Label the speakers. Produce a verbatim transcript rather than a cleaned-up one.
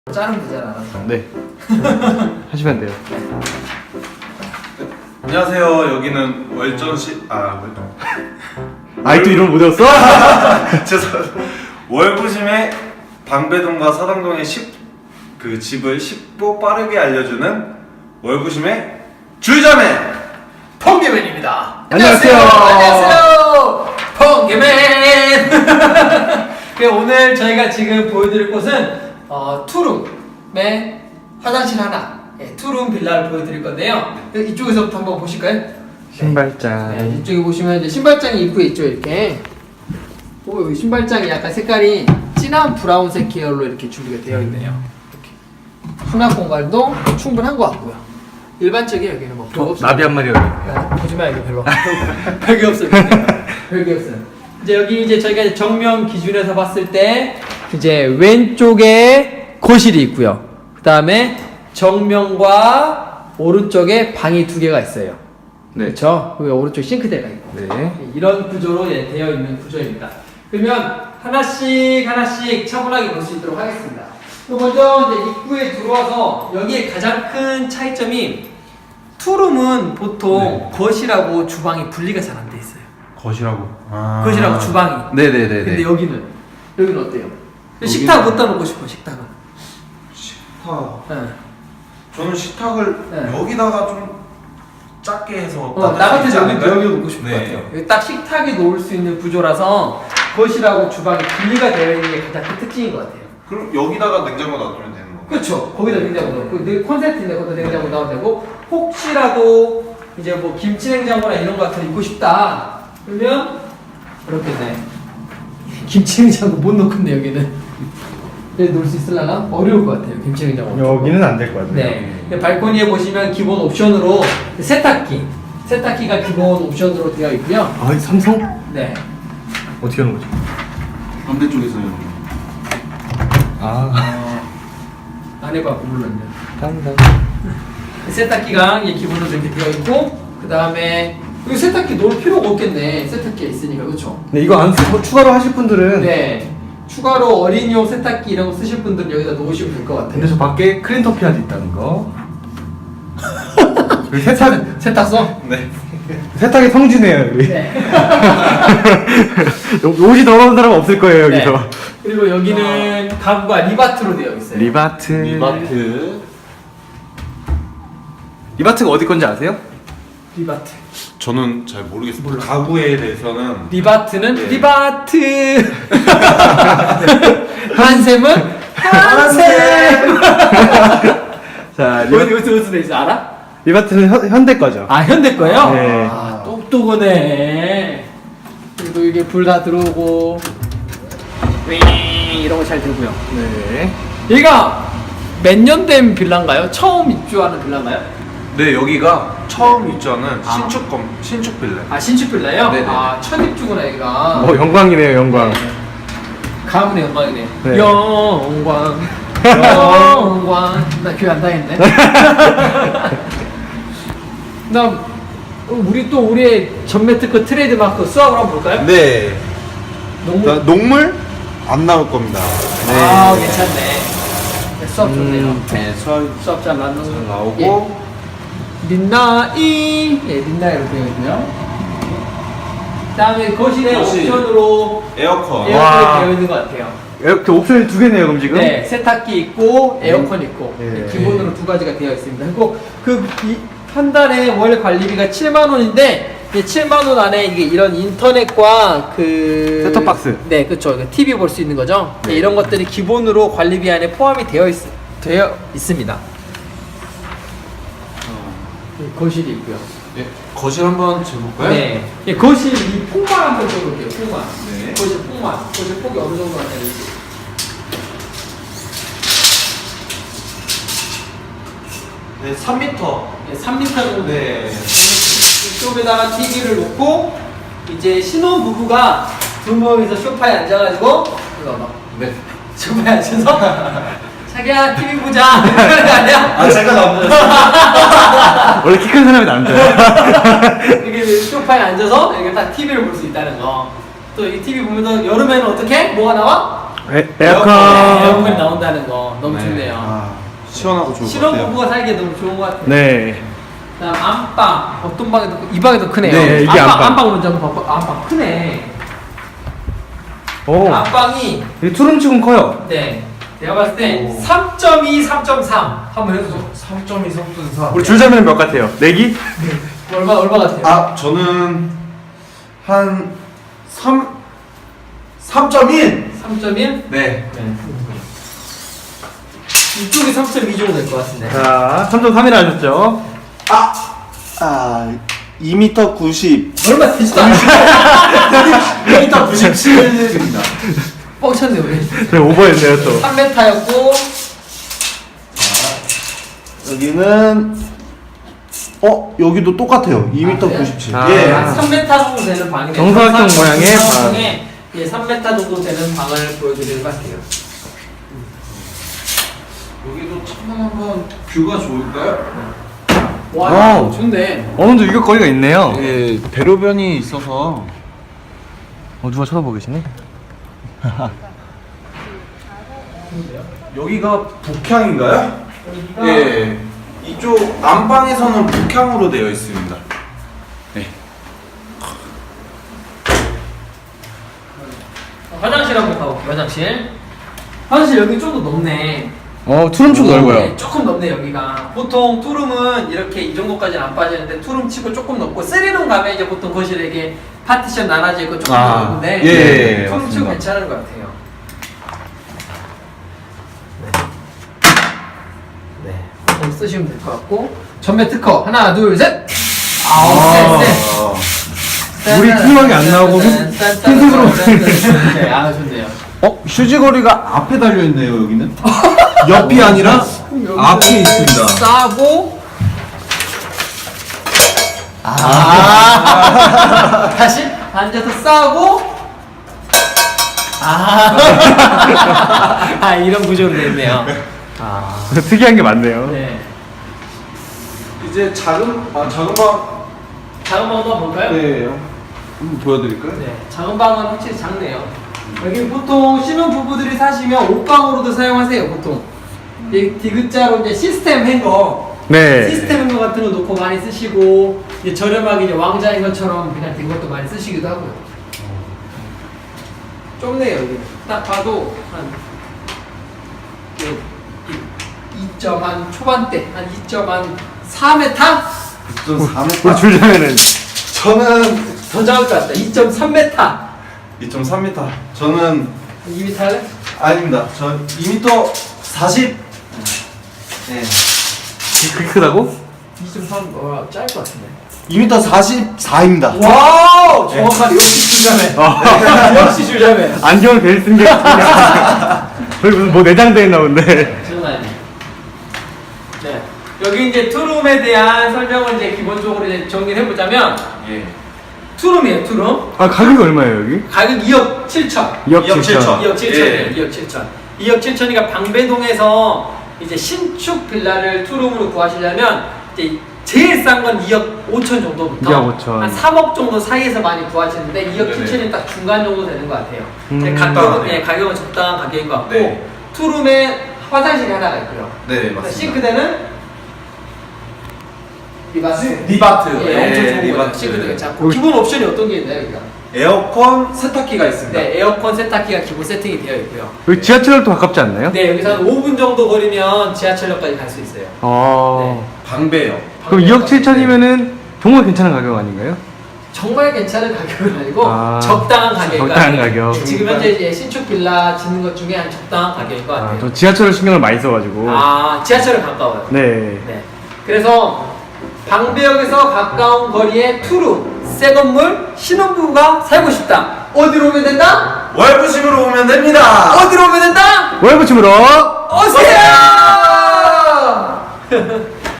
Speaker 1: 자르면 되잖아.
Speaker 2: 네. 하시면 돼요.
Speaker 3: 안녕하세요. 여기는 월전시 아 월전.
Speaker 2: 아이 또 이름 못 외웠어?
Speaker 3: 죄송합니다. 월부심의 방배동과 서당동의 십, 그 집을 쉽고 빠르게 알려주는 월부심의 줄자맨
Speaker 1: 펑개맨입니다.
Speaker 2: 안녕하세요.
Speaker 1: 안녕하세요. 펑개맨. 네, 오늘 저희가 지금 보여드릴 곳은 어, 투룸의 화장실 하나, 예, 투룸 빌라를 보여드릴 건데요. 이쪽에서부터 한번 보실까요?
Speaker 2: 신발장.
Speaker 1: 네, 이쪽에 보시면 이제 신발장이 입구에 있죠, 이렇게. 오, 여기 신발장이 약간 색깔이 진한 브라운색 계열로 이렇게 준비가 되어 있네요. 이렇게. 수납 공간도 충분한 것 같고요. 일반적인 여기는 뭐 별거
Speaker 2: 어,
Speaker 1: 없어요.
Speaker 2: 나비 한 마리 여기.
Speaker 1: 아, 보지 마, 이거 별로. 별게 없어요. 별게 없어요. 이제 여기 이제 저희가 이제 정면 기준에서 봤을 때 이제 왼쪽에 거실이 있고요. 그 다음에 정면과 오른쪽에 방이 두 개가 있어요.
Speaker 2: 네.
Speaker 1: 그렇죠? 그리고 오른쪽 싱크대가 있고.
Speaker 2: 네.
Speaker 1: 이런 구조로 예, 되어 있는 구조입니다. 그러면 하나씩 하나씩 차분하게 볼 수 있도록 하겠습니다. 먼저 이제 입구에 들어와서 여기에 가장 큰 차이점이 투룸은 보통
Speaker 3: 네.
Speaker 1: 거실하고 주방이 분리가 잘 안 돼 있어요.
Speaker 3: 거실하고 아.
Speaker 1: 거실하고 주방이.
Speaker 2: 네네네.
Speaker 1: 근데 여기는 여기는 어때요? 식탁 어디다 놓고 싶어? 식탁은?
Speaker 3: 식탁.
Speaker 1: 네.
Speaker 3: 저는 식탁을
Speaker 1: 네.
Speaker 3: 여기다가 좀 작게 해서
Speaker 1: 어, 나 같은 경우는 여기 놓고 싶을
Speaker 3: 네.
Speaker 1: 것 같아요. 여기 딱 식탁에 놓을 수 있는 구조라서 거실하고 주방이 분리가 되어 있는 게 가장 큰 특징인 것 같아요.
Speaker 3: 그럼 여기다가 냉장고 놔두면 되는 건가요?
Speaker 1: 그렇죠. 거기다 냉장고 넣고 늘 콘센트인데 거기다 냉장고 넣어도 되고 혹시라도 이제 뭐 김치 냉장고나 이런 거 같은 거 입고 싶다 그러면 이렇게 돼. 김치 냉장고 못 넣겠네 여기는. 여기 놓을 수 있으려나? 어려울 것 같아요. 김치 냉장고.
Speaker 2: 여기는 안 될 것 같아요.
Speaker 1: 네. 발코니에 보시면 기본 옵션으로 세탁기, 세탁기가 기본 옵션으로 되어 있고요.
Speaker 2: 아, 삼성?
Speaker 1: 네.
Speaker 2: 어떻게 하는 거죠?
Speaker 3: 반대쪽에서요.
Speaker 2: 아.
Speaker 1: 안 해봤고 몰랐네.
Speaker 2: 당당.
Speaker 1: 세탁기가 이게 기본으로 이렇게 되어 있고 그 다음에 여기 세탁기 놓을 필요가 없겠네. 세탁기가 있으니까 그렇죠?
Speaker 2: 네, 이거 안 쓰고 추가로 하실 분들은.
Speaker 1: 네. 추가로 어린이용 세탁기 이런 거 쓰실 분들은 여기다 놓으시면 될 것 같아요.
Speaker 2: 근데 저 밖에 클린터피아도 있다는 거. 여기 세탁,
Speaker 1: 세탁소?
Speaker 3: 네.
Speaker 2: 세탁의 성지네요, 여기.
Speaker 1: 네.
Speaker 2: 옷이 더러운 사람 없을 거예요, 여기서.
Speaker 1: 네. 그리고 여기는 가구가 리바트로 되어 있어요.
Speaker 2: 리바트.
Speaker 3: 리바트.
Speaker 2: 리바트가 어디 건지 아세요?
Speaker 1: 리바트.
Speaker 3: 저는 잘 모르겠습니다. 가구에 대해서는
Speaker 1: 리바트는
Speaker 3: 네.
Speaker 1: 리바트. 한샘은 한샘.
Speaker 2: 자,
Speaker 1: 어디 어디 어디 돼 있어 알아?
Speaker 2: 리바트는 현, 현대 거죠.
Speaker 1: 아 현대 거요?
Speaker 2: 네.
Speaker 1: 아 똑똑하네. 그리고 이게 불 다 들어오고 윙 이런 거 잘 들고요.
Speaker 2: 네.
Speaker 1: 얘가 몇 년 된 빌라인가요? 처음 입주하는 빌라인가요?
Speaker 3: 네, 여기가 처음 입주하는
Speaker 1: 아.
Speaker 3: 신축 검 신축 빌라.
Speaker 1: 아 신축 빌라요?
Speaker 3: 네네.
Speaker 1: 아 첫 입주구나 얘가.
Speaker 2: 어, 영광이네요, 영광.
Speaker 1: 가문의 영광이네.
Speaker 2: 네.
Speaker 1: 영광. 영광. 나 교회 안 다녔네. 나 어, 우리 또 우리의 전매 특허 트레이드 마크 수학을 한번 볼까요?
Speaker 3: 네.
Speaker 1: 농구.
Speaker 3: 자, 녹물 안 나올 겁니다.
Speaker 1: 아 괜찮네. 네, 수업 좋네요.
Speaker 3: 음, 네, 수학
Speaker 1: 수업 잘 맞는
Speaker 3: 잘 나오고
Speaker 1: 예. 민나이 예 민나이로 되어 있고요. 그다음에 거실에
Speaker 3: 거실.
Speaker 1: 옵션으로
Speaker 3: 에어컨.
Speaker 1: 에어컨이
Speaker 2: 와.
Speaker 1: 되어 있는 것 같아요.
Speaker 2: 이렇게 옵션이 두 개네요, 그럼 지금?
Speaker 1: 네, 세탁기 있고 에어컨 있고
Speaker 2: 네.
Speaker 1: 기본으로 두 가지가 되어 있습니다. 그리고 그 한 달에 월 관리비가 칠만 원인데 칠만 원 안에 이게 이런 인터넷과 그
Speaker 2: 셋톱박스.
Speaker 1: 네, 그렇죠. 티비 볼 수 있는 거죠. 네,
Speaker 2: 네.
Speaker 1: 이런 것들이 기본으로 관리비 안에 포함이 되어 있 되어 있습니다. 네, 거실이 있고요.
Speaker 3: 네, 거실 한번 재볼까요?
Speaker 1: 네, 예, 거실 이 폭만 한번 써볼게요. 폭만.
Speaker 3: 네.
Speaker 1: 거실 폭만. 거실 폭이 어느 정도 하냐면
Speaker 3: 네, 삼 미터.
Speaker 1: 네, 삼 미터 정도.
Speaker 3: 네.
Speaker 1: 이쪽에다가 티비를 놓고 이제 신혼 부부가 두 명이서 소파에 앉아가지고 이거 봐.
Speaker 3: 네.
Speaker 1: 소파에 앉아서 자기야 티비 보자 이런 거 아니야?
Speaker 3: 아, 제가 남자였어요.
Speaker 2: 원래 키 큰 사람이 남자야.
Speaker 1: 이렇게 소파에 앉아서 이렇게 딱 티비를 볼 수 있다는 거. 또 이 티비 보면서 여름에는 어떻게? 뭐가 나와?
Speaker 2: 에,
Speaker 1: 네,
Speaker 2: 에어컨.
Speaker 1: 에어컨이 나온다는 거 너무
Speaker 3: 네.
Speaker 1: 좋네요.
Speaker 3: 아, 시원하고 좋을 것 같아요.
Speaker 1: 신혼부부가 살기에 너무 좋은 것 같아요.
Speaker 2: 네.
Speaker 1: 그다음 안방 어떤 방에도 이 방에도 크네요.
Speaker 2: 네, 이게
Speaker 1: 안방
Speaker 2: 안방.
Speaker 1: 안방 먼저 한번 봐봐. 안방 크네.
Speaker 2: 오.
Speaker 1: 안방이
Speaker 2: 이 투룸치곤 커요.
Speaker 1: 네 내가 봤을 때
Speaker 3: 오.
Speaker 1: 삼 점 이, 삼 점 삼 한번 해보죠.
Speaker 3: 삼 점 이, 삼 점 사.
Speaker 2: 우리 줄자면 몇 같아요? 내기?
Speaker 1: 얼마 얼마 같아요?
Speaker 3: 아, 저는 한 삼, 삼 점 일.
Speaker 1: 삼 점 일?
Speaker 3: 네.
Speaker 1: 네. 이쪽이 삼 점 이 정도 될 것 같은데.
Speaker 2: 자, 삼 점 삼이라 하셨죠?
Speaker 3: 아, 아, 이 미터 구십.
Speaker 1: 얼마 되지도 않아.
Speaker 3: 이 미터 구십칠입니다.
Speaker 1: 뻥쳤네 우리.
Speaker 2: 네, 오버했네요, 또.
Speaker 1: 삼 미터였고
Speaker 3: 여기는 어, 여기도 똑같아요. 이 미터
Speaker 1: 아, 그래요?
Speaker 3: 구십칠.
Speaker 2: 아.
Speaker 3: 예.
Speaker 1: 한 삼 미터 정도 되는 방이네요.
Speaker 2: 정사각형 모양의 방.
Speaker 1: 정사각형의 예, 삼 미터 정도 되는 방을 보여드리도록 할게요.
Speaker 3: 여기도 천만 한번 뷰가 좋을까요?
Speaker 1: 와,
Speaker 2: 와우.
Speaker 1: 좋네.
Speaker 2: 어느 정도 유격거리가 있네요.
Speaker 3: 예, 대로변이 있어서
Speaker 2: 어, 누가 쳐다보고 계시네?
Speaker 3: 여기가 북향인가요?
Speaker 1: 여기가
Speaker 3: 예. 이쪽 안방에서는 북향으로 되어 있습니다. 네.
Speaker 1: 화장실 한번 가볼게요. 화장실. 화장실 여기 좀 더 넓네.
Speaker 2: 어, 투룸치고 넓어요.
Speaker 1: 네, 조금 넓네 여기가. 보통 투룸은 이렇게 이 정도까지는 안 빠지는데 투룸 치고 조금 넓고 쓰리룸 가면 이제 보통 거실에 이게 파티션 나눠져 있고 조금
Speaker 2: 아,
Speaker 1: 넓은데
Speaker 3: 예, 예, 예,
Speaker 1: 투룸 치고
Speaker 3: 맞습니다.
Speaker 1: 괜찮은 것 같아요. 네, 네. 쓰시면 될 것 같고 전면 특허 하나 둘 셋. 아우 쎄 쎄.
Speaker 2: 물이 투명하게 안 나오고 흰색으로.
Speaker 1: 네, 아 좋네요.
Speaker 3: 어? 휴지거리가 앞에 달려 있네요, 여기는. 옆이 아니라 앞에 있습니다.
Speaker 1: 싸고 아 다시 앉아서 싸고 아, 아 이런 구조로 됐네요. 아
Speaker 2: 특이한 게 많네요.
Speaker 1: 네.
Speaker 3: 이제 작은 아 작은 방.
Speaker 1: 작은 방도 한번 볼까요?
Speaker 3: 네. 한번 보여드릴까요?
Speaker 1: 네, 작은 방은 확실히 작네요. 여기 보통 신혼 부부들이 사시면 옷방으로도 사용하세요. 보통 이 디귿자로 이제 시스템 행거,
Speaker 2: 네.
Speaker 1: 시스템 행거 같은 거 놓고 많이 쓰시고 이제 저렴하게 이제 왕자인 것처럼 그냥 된 것도 많이 쓰시기도 하고요. 좁네요 여기. 딱 봐도 한 이 점 한 초반대 한 이 점 한 사 미터?
Speaker 3: 이 점 사 미터.
Speaker 2: 우리 줄자면은
Speaker 3: 저는
Speaker 1: 더 작을 것 같다. 이 점 삼 미터.
Speaker 3: 이 점 삼 미터. 저는
Speaker 1: 이 미터 할래?
Speaker 3: 아닙니다. 저 이 미터 사십. 네.
Speaker 2: 그렇게 크다고?
Speaker 1: 이 점 삼 어, 짧을 것 같은데.
Speaker 3: 이 미터 사십사입니다.
Speaker 1: 와우! 정확하네. 역시 줄자매.
Speaker 2: 아.
Speaker 1: 역시 줄자매.
Speaker 2: 안경을 베일 쓴게 거기 무슨 뭐 내장돼 있나 본데.
Speaker 1: 장난 아니네. 네. 여기 이제 투룸에 대한 설명을 이제 기본적으로 이제 정리를 해보자면
Speaker 3: 예.
Speaker 1: 투룸이에요, 투룸.
Speaker 2: 아, 가격이 얼마예요, 여기?
Speaker 1: 가격 이억 칠천.
Speaker 2: 이억
Speaker 3: 이억
Speaker 2: 칠천.
Speaker 3: 칠천.
Speaker 1: 이억 칠천이에요.
Speaker 3: 예.
Speaker 1: 이억 칠천. 이억 칠천이니까 방배동에서 이제 신축 빌라를 투룸으로 구하시려면 이제 제일 싼 건 이억 오천 정도부터
Speaker 2: 이억 오천.
Speaker 1: 한 삼억 정도 사이에서 많이 구하시는데 이억
Speaker 3: 네네.
Speaker 1: 칠천이 딱 중간 정도 되는 것 같아요.
Speaker 2: 음.
Speaker 1: 네, 가격은,
Speaker 3: 적당하네요.
Speaker 1: 예, 가격은 적당한 가격인 것 같고
Speaker 3: 네.
Speaker 1: 투룸에 화장실이 하나가 있고요.
Speaker 3: 네, 맞습니다.
Speaker 1: 싱크대는 리바트.
Speaker 3: 리바트.
Speaker 1: 예,
Speaker 3: 네,
Speaker 1: 엄청 좋은 거예요.
Speaker 3: 리바트.
Speaker 1: 싱크대 괜찮고
Speaker 2: 음.
Speaker 1: 기본 옵션이 어떤 게 있나요, 여기가?
Speaker 3: 에어컨 세탁기가 있습니다.
Speaker 1: 네, 에어컨 세탁기가 기본 세팅이 되어 있고요.
Speaker 2: 여기 지하철역도 가깝지 않나요?
Speaker 1: 네, 여기서 한 오 분 정도 거리면 지하철역까지 갈 수 있어요.
Speaker 2: 어.
Speaker 3: 방배요.
Speaker 2: 그럼 이억 칠천이면은 정말 괜찮은 가격 아닌가요?
Speaker 1: 정말 괜찮은 가격은 아니고
Speaker 2: 아,
Speaker 1: 적당한 가격.
Speaker 2: 적당한 가격.
Speaker 1: 지금 현재 이제 신축 빌라 짓는 것 중에 한 적당한 가격인 것
Speaker 2: 아,
Speaker 1: 같아요.
Speaker 2: 저 지하철을 신경을 많이 써가지고.
Speaker 1: 아, 지하철은 가까워요.
Speaker 2: 네.
Speaker 1: 네. 그래서 방배역에서 가까운 거리에 투룸, 새 건물, 신혼부부가 살고 싶다. 어디로 오면 된다?
Speaker 3: 월부심으로 오면 됩니다.
Speaker 1: 어디로 오면 된다?
Speaker 2: 월부침으로
Speaker 1: 오세요!